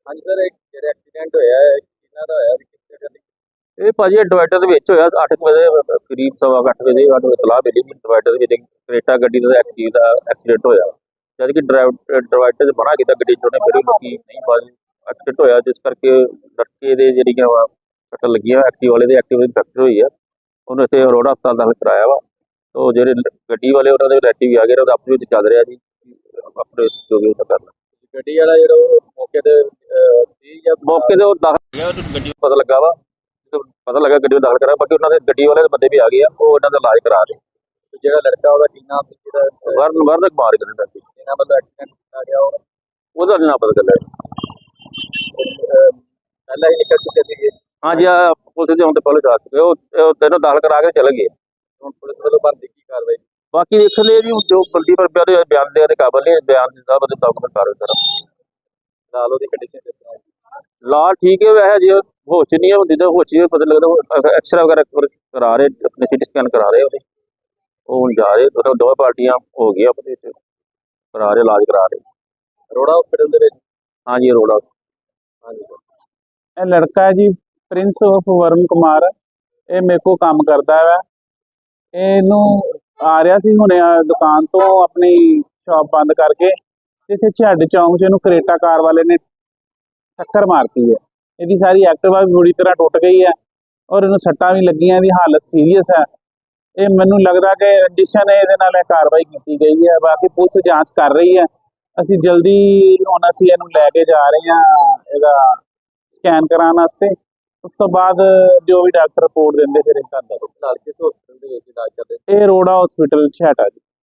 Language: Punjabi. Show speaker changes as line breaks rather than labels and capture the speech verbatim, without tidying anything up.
ਹਾਂਜੀ ਸਰ, ਇੱਕ ਜਿਹੜਾ ਐਕਸੀਡੈਂਟ ਹੋਇਆ ਹੈ ਕਿਹਨਾਂ ਦਾ ਹੋਇਆ ਤੇ ਕਿਸ ਜਗ੍ਹਾ ਤੇ?
ਇਹ ਭਾਜੀ ਡਿਵਾਈਡਰ ਦੇ ਵਿੱਚ ਹੋਇਆ ਅੱਠ ਵਜੇ ਕਰੀਬ ਸਵਾ ਕੁ ਅੱਠ ਵਜੇ ਸਾਨੂੰ ਇਤਲਾਹ ਮਿਲੀ ਕਿ ਡਿਵਾਈਡਰ ਦੇ ਵਿੱਚ ਕਰੇਟਾ ਗੱਡੀ ਦਾ ਐਕਸੀਡ ਦਾ ਐਕਸੀਡੈਂਟ ਹੋਇਆ। ਜਦ ਕਿ ਡਿਵਾਈਡਰ 'ਚ ਮਨਾ ਕੀਤਾ ਗੱਡੀ ਚੋਣੇ ਮੇਰੀ ਲੋਕੀ ਨਹੀਂ ਬਾਜੀ ਐਕਸੀਡੈਂਟ ਹੋਇਆ, ਜਿਸ ਕਰਕੇ ਲੜਕੇ ਦੇ ਜਿਹੜੀਆਂ ਵਾ ਸੱਟਾਂ ਲੱਗੀਆਂ ਐਕਟਿਵ ਵਾਲੇ ਦੇ ਐਕਟਿਵ ਦੀ ਫ੍ਰੈਕਚਰ ਹੋਈ ਆ। ਉਹਨੂੰ ਇੱਥੇ ਅਰੋੜਾ ਹਸਪਤਾਲ ਦਾਖਲ ਕਰਾਇਆ ਵਾ। ਤੋ ਜਿਹੜੇ ਗੱਡੀ ਵਾਲੇ ਉਹਨਾਂ ਦੇ ਰਿਲੇਟਿਵ ਆ ਗਏ, ਉਹਦਾ ਆਪਸ ਵਿੱਚ ਚੱਲ ਰਿਹਾ ਜੀ ਆਪਣੇ ਜੋ ਵੀ ਉਹਦਾ ਕਰਨਾ।
ਗੱਡੀ ਵਾਲਾ ਜਿਹੜਾ ਉਹ ਮੌਕੇ ਤੇ ਅਹ, ਸੀ ਜਾਂ
ਮੌਕੇ ਤੇ ਉਹ ਦਾਖਲ ਗਿਆ, ਉਹਨੂੰ ਗੱਡੀ ਨੂੰ ਪਤਾ ਲੱਗਾ ਵਾ, ਜਦੋਂ ਪਤਾ ਲੱਗਾ ਗੱਡੀ ਨੂੰ ਦਾਖਲ ਕਰਾਇਆ। ਬਾਕੀ ਉਹਨਾਂ ਦੇ ਗੱਡੀ ਵਾਲੇ ਦੇ ਬੰਦੇ ਵੀ ਆ ਗਏ ਆ, ਉਹ ਉਹਨਾਂ ਦਾ ਇਲਾਜ ਕਰਾ ਰਹੇ।
ਤੇ ਜਿਹੜਾ ਲੜਕਾ ਉਹਦਾ ਕੀ ਨਾਮ ਸੀ ਜਿਹੜਾ
ਵਰਨ ਵਰਨ ਕੁਮਾਰ ਕਹਿੰਦੇ ਸੀ,
ਇਹਨਾਂ ਵੱਲੋਂ ਐਕਸੀਡੈਂਟ ਕੀਤਾ ਗਿਆ ਉਹ
ਉਹਦਾ ਨੀ ਨਾ ਪਤਾ ਚੱਲਿਆ।
ਅਹ, ਪਹਿਲਾਂ ਹੀ ਨਿਕਲ ਚੁੱਕੇ ਸੀਗੇ।
ਹਾਂਜੀ ਆ ਪੁਲਿਸ ਦੇ ਹੁਣ ਤੇ ਪਹਿਲੇ ਜਾ ਚੁੱਕੇ, ਉਹ ਉਹ ਤੈਨੂੰ ਦਾਖਲ ਕਰਾ ਕੇ ਚਲੇ ਗਏ।
ਹੁਣ ਪੁਲਿਸ ਵੱਲੋਂ ਬਣਦੀ ਕੀ ਕਾਰਵਾਈ?
ਬਾਕੀ ਵੇਖਦੇ ਜੀ ਜੋ ਬੰਦੀ ਪਰ ਪਿਆਰੇ ਬਿਆਨ ਦੇ ਕਾਬਲ ਨੇ, ਬਿਆਨ ਦੇ ਸਾਹਿਬ ਦੇ ਡਾਕੂਮੈਂਟ ਕਾਰਵਾਈ ਕਰਾਂ।
ਨਾਲ ਉਹਦੀ ਕੰਡੀਸ਼ਨ ਕਿਸ ਤਰ੍ਹਾਂ ਹੈ?
ਲਾ ਠੀਕ ਹੈ, ਵੈਸੇ ਜੇ ਹੋਸ਼ ਨਹੀਂ ਹੁੰਦੀ ਤਾਂ ਹੋਸ਼ ਹੀ ਪਤਾ ਲੱਗਦਾ। ਐਕਸਰਾ ਵਗੈਰਹ ਕਰਾ ਰਹੇ, ਆਪਣੇ ਸਿਟੀ ਸਕੈਨ ਕਰਾ ਰਹੇ ਉਹਦੇ, ਉਹ ਹੁਣ ਜਾ ਰਹੇ ਉਹ ਦੋਵੇਂ ਪਾਰਟੀਆਂ ਹੋ ਗਈਆਂ ਆਪਣੇ ਇੱਥੇ ਕਰਾ ਰਹੇ, ਇਲਾਜ ਕਰਾ ਰਹੇ।
ਅਰੋੜਾ ਹਸਪੀਟਲ ਦੇ ਵਿੱਚ?
ਹਾਂਜੀ ਰੋੜਾ।
ਹਾਂਜੀ
ਇਹ ਲੜਕਾ ਹੈ ਜੀ ਪ੍ਰਿੰਸ ਆਫ ਵਰਨ ਕੁਮਾਰ। ਇਹ ਮੇਰੇ ਕੋਲ ਕੰਮ ਕਰਦਾ ਵਾ। ਇਹਨੂੰ ਆ ਰਿਹਾ ਸੀ ਹੁਣੇ ਆ ਦੁਕਾਨ ਤੋਂ ਆਪਣੀ ਸ਼ਾਪ ਬੰਦ ਕਰਕੇ, ਇੱਥੇ ਛੱਡ ਚੌਂਕ 'ਚ ਇਹਨੂੰ ਕਰੇਟਾ ਕਾਰ ਵਾਲੇ ਨੇ ਟੱਕਰ ਮਾਰਤੀ ਹੈ। ਇਹਦੀ ਸਾਰੀ ਐਕਟਿਵਾ ਵੀ ਬੁਰੀ ਤਰ੍ਹਾਂ ਟੁੱਟ ਗਈ ਹੈ ਔਰ ਇਹਨੂੰ ਸੱਟਾਂ ਵੀ ਲੱਗੀਆਂ, ਇਹਦੀ ਹਾਲਤ ਸੀਰੀਅਸ ਹੈ। ਇਹ ਮੈਨੂੰ ਲੱਗਦਾ ਕਿ ਰੰਜਿਸ਼ ਨੇ ਇਹਦੇ ਨਾਲ ਇਹ ਕਾਰਵਾਈ ਕੀਤੀ ਗਈ ਹੈ। ਬਾਕੀ ਪੁਲਿਸ ਜਾਂਚ ਕਰ ਰਹੀ ਹੈ। ਅਸੀਂ ਜਲਦੀ ਹੁਣ ਅਸੀਂ ਇਹਨੂੰ ਲੈ ਕੇ ਜਾ ਰਹੇ ਹਾਂ ਇਹਦਾ ਸਕੈਨ ਕਰਾਉਣ ਵਾਸਤੇ। ਉਸ ਤੋਂ ਬਾਅਦ ਜੋ ਵੀ ਡਾਕਟਰ ਰਿਪੋਰਟ ਦਿੰਦੇ ਫਿਰ ਇਹ ਤੁਹਾਨੂੰ ਦੱਸ।
ਨਾਲ ਕਿਸ ਹਸਪੀਟਲ ਦੇ ਵਿੱਚ ਇਲਾਜ ਕਰਦੇ?
ਇਹ ਰੋੜਾ ਹਸਪੀਟਲ ਛਾਟਾ ਜੀ।